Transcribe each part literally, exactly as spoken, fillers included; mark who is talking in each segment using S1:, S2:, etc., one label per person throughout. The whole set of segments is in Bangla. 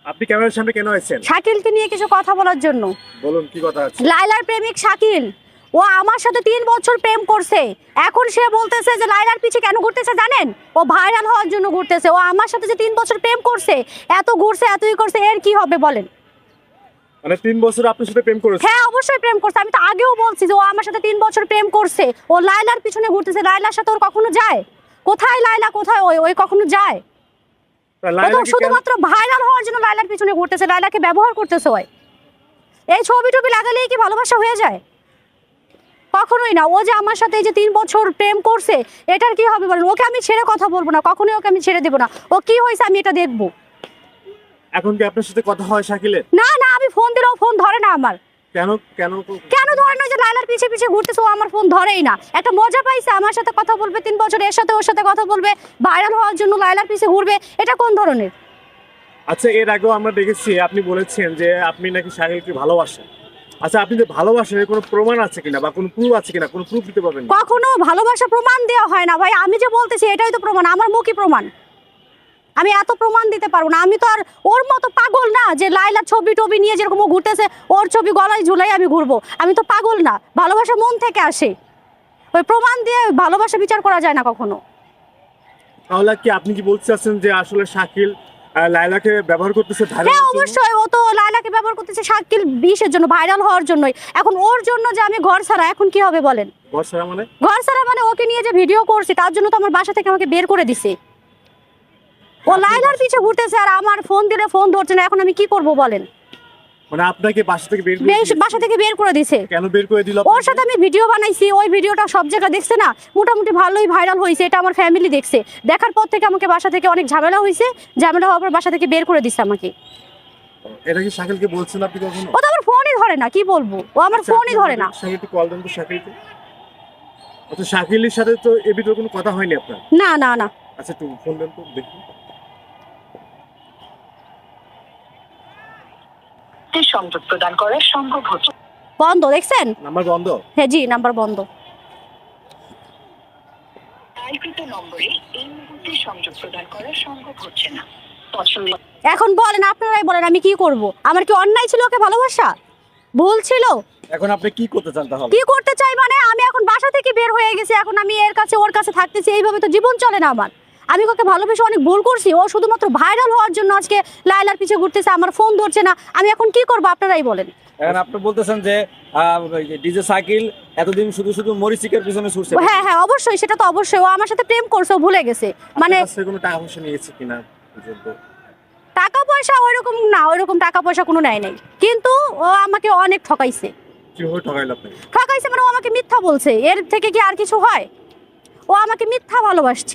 S1: আপনি ক্যামেরার সামনে কেন আছেন?
S2: শাকিলকে নিয়ে কিছু কথা বলার জন্য।
S1: বলুন কি কথা আছে?
S2: লাইলার প্রেমিক শাকিল, ও আমার সাথে তিন বছর প্রেম করছে। এখন সে বলতেছে যে লাইলার পিছে কেন ঘুরতেছে জানেন? ও ভাইরাল হওয়ার জন্য ঘুরতেছে। ও আমার সাথে যে তিন বছর প্রেম করছে, এত ঘুরছে এতই করছে, এর কি হবে বলেন?
S1: মানে তিন বছর আপনার সাথে প্রেম করেছে?
S2: হ্যাঁ অবশ্যই প্রেম করছে। আমি তো আগেও বলছি যে ও আমার সাথে তিন বছর প্রেম করছে। ও লাইলার পিছনে ঘুরতেছে। লাইলার সাথে ওর কখনো যায়? কোথায় লাইলা, কোথায় ওই ওই কখনো যায়?
S1: তা
S2: ও তো
S1: লায়লাকে কেন-
S2: শুধুমাত্র ভাইরাল হওয়ার জন্য লাইলার পিছনে ঘুরতেছে, লাইলাকে ব্যবহার করতেছে ওই। এই ছবি টবি লাগালেই কি ভালোবাসা হয়ে যায়? কখনোই না। ও যে আমার সাথে এই যে তিন বছর প্রেম করছে, এটার কি হবে বলেন? ওকে আমি ছেড়ে কথা বলবো না, কখনোই ওকে আমি ছেড়ে দেবো না। ও কি হয়েছে আমি এটা দেখবো।
S1: এখন কি আপনার সাথে কথা হয় শাকিলের?
S2: না না, আমি ফোন দিলেও ফোন ধরে না আমার।
S1: কেন কেন
S2: কেন ধরে না? যে লাইলার পিছে পিছে ঘুরতেছে, ও আমার ফোন ধরেই না। একটা মজা পাইছে আমার সাথে কথা বলবে তিন বছর, এর সাথে ওর সাথে কথা বলবে, ভাইরাল হওয়ার জন্য লাইলার পিছে ঘুরবে, এটা কোন ধরনের?
S1: আচ্ছা, এর আগেও আমরা দেখেছি আপনি বলেছেন যে আপনি নাকি শাকিলকে ভালোবাসেন। আচ্ছা, আপনি যে ভালোবাসেন এর কোনো প্রমাণ আছে কিনা বা কোনো প্রুফ আছে কিনা? কোনো প্রুফ দিতে পারবেন?
S2: কখনো ভালোবাসা প্রমাণ দেওয়া হয় না ভাই। আমি যে বলতেছি এটাই তো প্রমাণ, আমার মুখই প্রমাণ। আমি এত প্রমাণ দিতে পারবো না। আমি তো আর ওর মতো পাগল না যে লাইলার ছবি টবি নিয়ে যেরকম ও ঘুরতেছে ওর ছবি গলায় ঝুলাই আমি ঘুরবো। আমি তো পাগল না। ভালোবাসা মন থেকে আসে, ওই প্রমাণ দিয়ে ভালোবাসা বিচার করা যায় না কখনো।
S1: তাহলে কি আপনি কি বলতে চাচ্ছেন যে আসলে শাকিল আহ, লায়লাকে ব্যবহার করতেছে ভাইরাল
S2: হ্যাঁ
S1: হওয়ার জন্য?
S2: অবশ্যই, ও তো লাইলাকে ব্যবহার করতেছে শাকিল বিশের জন্য, ভাইরাল হওয়ার জন্যই। এখন ওর জন্য যে আমি ঘর ছাড়া, এখন কি হবে বলেন?
S1: ঘর ছাড়া মানে?
S2: ঘর ছাড়া মানে ওকে নিয়ে যে ভিডিও করছি তার জন্য তো আমার বাসা থেকে আমাকে বের করে দিছে। ও লাইলার পিছে ঘুরতেছে আর আমার ফোন দিলে ফোন ধরছে না। এখন আমি কি করব বলেন?
S1: মানে আপনাকে বাসা থেকে বের করে
S2: বেশ
S1: দিয়েছে?
S2: বাসা থেকে বের করে দিছে।
S1: কেন বের করে দিল?
S2: ওর সাথে আমি ভিডিও বানাইছি, ওই ভিডিওটা সব জায়গায় দেখছে না, মোটামুটি ভালোই ভাইরাল হয়েছে। এটা আমার ফ্যামিলি দেখছে। দেখার পর থেকে আমাকে বাসা থেকে অনেক ঝামেলা হয়েছে। ঝামেলা হওয়ার পর বাসা থেকে বের করে দিচ্ছে আমাকে।
S1: এটা কি শাকিলকে বলছেন আপনি কখনো?
S2: ও তো আমার ফোনই ধরে না, কি বলবো? ও আমার
S1: আচ্ছা,
S2: ফোনই
S1: আপনি
S2: ধরে না।
S1: শাকিলকে কল দেন তো শাকিলকে। আচ্ছা, শাকিলের সাথে তো এ ভিতরে কোনো কথা হয়নি আপনার?
S2: না না না।
S1: আচ্ছা, একটু ফোন দেন তো দেখি।
S3: সংযোগ প্রদান করা সম্ভব হচ্ছে
S2: বন্ধ, দেখছেন?
S1: নাম্বার বন্ধ?
S2: হ্যাঁ জি, নাম্বার বন্ধ।
S3: ডায়ালকৃত নম্বরে এই মুহূর্তে সংযোগ প্রদান করা সম্ভব হচ্ছে না। পছন্দ
S2: এখন বলেন, আপনারাই বলেন আমি কি করব? আমার কি অন্যায় ছিল ওকে ভালোবাসা? ভুল ছিল?
S1: এখন আপনি কি করতে চান তাহলে?
S2: কি করতে চাই মানে আমি এখন বাসা থেকে বের হয়ে গেছি। এখন আমি এর কাছে ওর কাছে থাকতেছি, এইভাবে তো জীবন চলে না আমার। আমি ওকে ভালোবেসে অনেক ভুল করছি। ও শুধুমাত্র ভাইরাল হওয়ার জন্য আজকে লাইলার পিছে ঘুরতেছে, আমার ফোন ধরছে না। আমি এখন কি করব আপনারাই বলেন।
S4: এখন আপনি বলতেছেন যে ডিজে সাইকেল এতদিন শুধু শুধু মরিচিকের পিছনে ছুটছে।
S2: হ্যাঁ হ্যাঁ অবশ্যই, সেটা তো অবশ্যই। ও আমার সাথে প্রেম করছে, ও ভুলে গেছে মানে।
S1: আপনার কাছ থেকে কোনো টাকা পয়সা নিয়েছে কিনা পর্যন্ত?
S2: টাকা পয়সা ওইরকম না, ওইরকম টাকা পয়সা কোনো নেয় নাই, কিন্তু ও আমাকে অনেক ঠকাইছে।
S1: কিভাবে ঠকাইলো আপনাকে?
S2: ঠকাইছে মানে ও আমাকে মিথ্যা বলছে। এর থেকে কি আর কিছু হয়? ও আমাকে মিথ্যা ভালোবাসছে।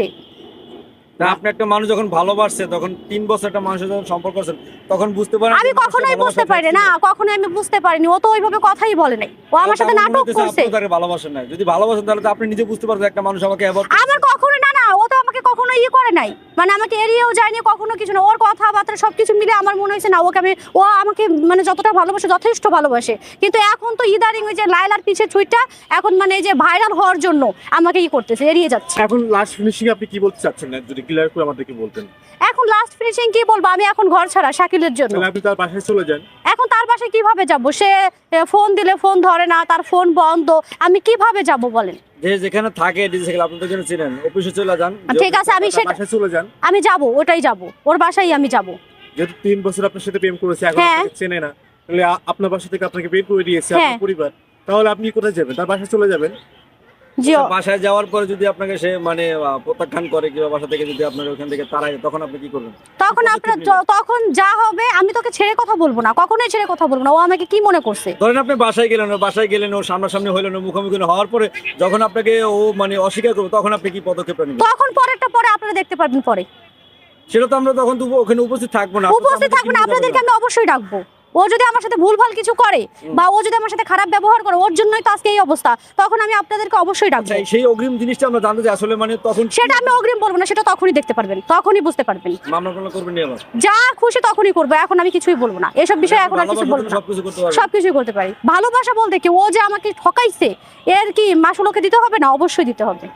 S4: তা আপনি একটা মানুষ যখন ভালোবাসছে, তখন তিন বছর একটা মানুষের যখন সম্পর্ক করছেন, তখন বুঝতে পারেন
S2: আমি কখনোই বুঝতে পারি না, কখনোই আমি বুঝতে পারিনি। ও তো ওইভাবে কথাই বলে নাই, ও আমার সাথে নাটক করছে।
S4: আপনি তাকে ভালোবাসেন না। যদি ভালোবাসেন তাহলে তো আপনি নিজে বুঝতে পারবেন একটা মানুষ আমাকে অ্যাভয়েড করছে।
S2: আমার কখনোই না না, ও তো আমাকে কখনো ইয়ে করে নাই, মানে আমাকে এড়িয়েও যায়নি কখনো কিছু না। ওর কথাবার্তা সবকিছু মিলে আমার মনে হয়েছে না ওকে আমি, ও আমাকে মানে যতটা ভালোবাসে যথেষ্ট ভালোবাসে। কিন্তু এখন তো ইদারিং ওই যে লাইলার পিছে ছুইটা এখন মানে এই যে ভাইরাল হওয়ার জন্য আমাকে ই করতেছে, এড়িয়ে যাচ্ছে।
S1: এখন লাস্ট ফিনিশিং আপনি কি বলতে চাচ্ছেন না যদি ক্লিয়ার করে আমাদেরকে বলতেন?
S2: এখন লাস্ট ফিনিশিং কি বলবো? আমি এখন ঘর ছাড়া শাকিলের জন্য।
S1: তাহলে আপনি তার বাসায় চলে যান।
S2: এখন তার বাসায় কিভাবে যাব? সে ফোন দিলে ফোন ধরে না, তার ফোন বন্ধ, আমি কিভাবে যাব বলেন?
S4: যে যেখানে থাকে ডিজে সাইকেল আপনি তো যেন চিনেন, অফিসে চলে যান।
S2: ঠিক আছে, আমি
S1: তার
S2: সেটা
S1: বাসায় চলে যান।
S2: আমি যাব, ওটাই যাব, ওর বাসায় আমি যাব।
S1: যেহেতু তিন বছর আপনার সাথে প্রেম করেছে, এখন
S2: হ্যাঁ।
S1: আপনাকে চেনে না, তাহলে আ- আপনার বাসা থেকে আপনাকে বের করে দিয়েছে
S2: হ্যাঁ।
S1: আপনার পরিবার, তাহলে আপনি কোথায় যাবেন? তার বাসায় চলে যাবেন।
S2: জিও
S4: বাসায় যাওয়ার পরে যদি আপনাকে সে মানে আহ, প্রত্যাখ্যান করে কিংবা বাসা থেকে যদি আপনার ওখান থেকে তাড়ায়, তখন আপনি কি করবেন?
S2: তখন আপনার য- তখন যা হবে, আমি তোকে ছেড়ে কথা বলবো না, কখনোই ছেড়ে কথা বলবো না। ও আমাকে কি মনে করছে?
S4: ধরেন আপনি বাসায় গেলেন, ও বাসায় গেলেন, ও সামনাসামনি হইলেন, ও মুখোমুখি হওয়ার পরে যখন আপনাকে ও মানে অস্বীকার করবে, তখন আপনি কি পদক্ষেপ নেবেন?
S2: তখন পরেরটা পরে আপনারা দেখতে পারবেন পরে।
S4: সেটা তো আমরা তখন তো ওখানে উপস্থিত থাকবো না।
S2: উপস্থিত থাকবেন, আপনাদেরকে আমি অবশ্যই ডাকবো। ও যদি আমার সাথে ভুলভাল কিছু করে বা ও যদি আমার সাথে খারাপ ব্যবহার করে, ওর জন্যই তো আজকে এই অবস্থা, তখন আমি আপনাদেরকে অবশ্যই ডাকবো।
S4: সেই- সেই অগ্রিম জিনিসটা আমরা জানতে চাই আসলে, মানে তখন
S2: সেটা আমি অগ্রিম বলবো না, সেটা তখনই দেখতে পারবেন, তখনই বুঝতে পারবেন।
S4: মামলা টামলা করবেন নি আবার?
S2: যা খুশি তখনই করবো, এখন আমি কিছুই বলবো না এসব বিষয়ে। এখন আর কিছু
S4: ভালোবাসার
S2: বলবো
S4: জন্য
S2: না,
S4: সবকিছু করতে পারবেন।
S2: সবকিছুই করতে পারি। ভালোবাসা বলতে কি, ও যে আমাকে ঠকাইছে এর কি মাসুল ওকে দিতে হবে না? অবশ্যই দিতে হবে।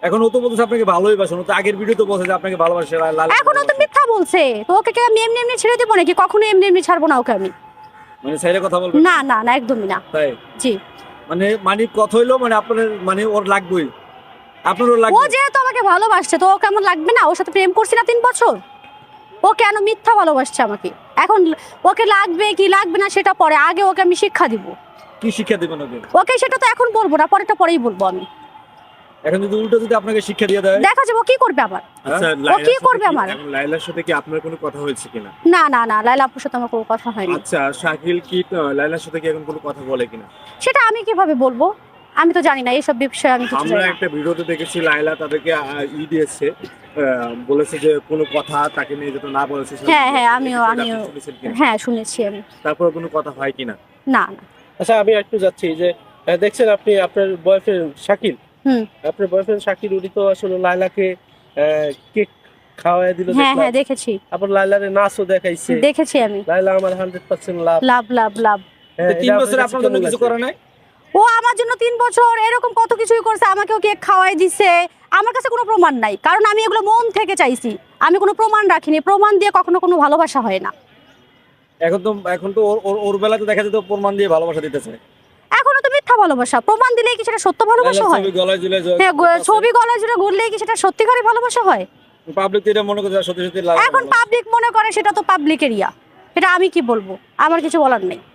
S4: এখন ও তো বলতেছে আপনাকে ভালোই বাসেন, ও তো আগের ভিডিও তো বলছে যে আপনাকে ভালোবাসে, লা- লাল-
S2: এখনো তো মিথ্যা বলছে। তো ওকে কি আমি এমনি এমনি ছেড়ে দিব নাকি? কখনো এমনি এমনি ছাড়বো না ওকে আমি।
S4: মানে সাইডে কথা বলবেন?
S2: না না না, একদমই না।
S4: তাই
S2: জি,
S4: মানে মানে কথা হইলো মানে আপনার মানে ওর লাগবেই, আপনারও
S2: ও
S4: লাগবে।
S2: যেহেতু আমাকে ভালোবাসছে তো ওকে আমার লাগবে না? ওর সাথে প্রেম করছি না তিন বছর, ও কেন মিথ্যা ভালোবাসছে আমাকে? এখন ওকে লাগবে কি লাগবে না সেটা পরে, আগে ওকে আমি শিক্ষা দিব।
S4: কি শিক্ষা দিবেন ওকে?
S2: ওকে সেটা তো এখন বলবো না, পরেটা পরেই বলবো আমি।
S4: এখন যদি উল্টো যদি আপনাকে শিক্ষা দিয়ে দেয়?
S2: দেখা যাবে ও কি করবে আবার।
S1: আচ্ছা,
S2: ও
S1: লাইলার
S2: কি
S1: সাথে
S2: করবে
S1: কি-
S2: আমার?
S1: এখন লাইলার সাথে কি আপনার কোনো কথা হয়েছে কিনা?
S2: না না না, লাইলা আপুর সাথে আমার কোনো কথা হয়নি।
S1: আচ্ছা, শাকিল কি আহ, লাইলার সাথে কি এখন কোনো কথা বলে কিনা?
S2: সেটা আমি কিভাবে বলবো? আমি তো জানি না এইসব বিষয়ে, আমি কিছু
S1: আমরা
S2: জানি না।
S1: একটা ভিডিওতে দেখেছি লাইলা তাদেরকে আহ, ই দিয়েছে, আহ, বলেছে যে কোনো কথা তাকে নিয়ে যেটা না বলেছে সেটা
S2: হ্যাঁ হ্যাঁ,
S1: আপনি
S2: আমিও
S1: শুনেছেন
S2: আমিও
S1: কিনা?
S2: হ্যাঁ শুনেছি আমি।
S1: তারপরে কোনো কথা হয় কিনা?
S2: না না।
S5: আচ্ছা আমি একটু যাচ্ছি যে আহ, দেখছেন আপনি আপনার বয়ফ্রেন্ড শাকিল,
S2: হুম,
S5: আপনার বয়ফ্রেন্ড শাকিল উনি তো আসলে লাইলাকে কেক খাওয়াই দিল,
S2: হ্যাঁ
S5: দেখলাম।
S2: হ্যাঁ দেখেছি
S5: আবার লাইলারে নাচও দেখাইছে।
S2: দেখেছি আমি।
S5: লাইলা আমার হান্ড্রেড পার্সেন্ট লাভ।
S2: লাভ লাভ লাভ।
S5: হ্যাঁ,
S4: তো তিন
S5: এটা
S4: বছরে
S5: আপনার
S4: আপনার
S5: কাছে
S4: জন্য
S5: কেমন
S4: কিছু
S5: লাগছে?
S4: করে নাই?
S2: ও আমার জন্য তিন বছর এরকম কত কিছুই করছে, আমাকেও কেক খাওয়াই দিছে। আমার কাছে কোনো প্রমাণ নাই, কারণ আমি এগুলো মন থেকে চাইছি। আমি কোনো প্রমাণ রাখিনি, প্রমাণ দিয়ে কখনো কোনো ভালোবাসা হয় না।
S4: এখন তো এখন তো ওর- ওর ওর বেলাতে দেখা যেত প্রমাণ দিয়ে ভালোবাসা দিতেছে।
S2: এখনো তো মিথ্যা ভালোবাসা, প্রমাণ দিলেই কি সেটা সত্য ভালোবাসা
S4: লাইলার
S2: হয়?
S4: ছবি গলায় ঝুলে
S2: হ্যাঁ, গ- ছবি গলায় জুড়ে ঘুরলেই কি সেটা সত্যিকারের ভালোবাসা হয়?
S4: পাবলিক তো এটা মনে করছে সত্যি সত্যি লাইলা
S2: এখন পাবলিক মনে করে সেটা তো পাবলিক এরিয়া, এটা আমি কি বলবো? আমার কিছু বলার নেই।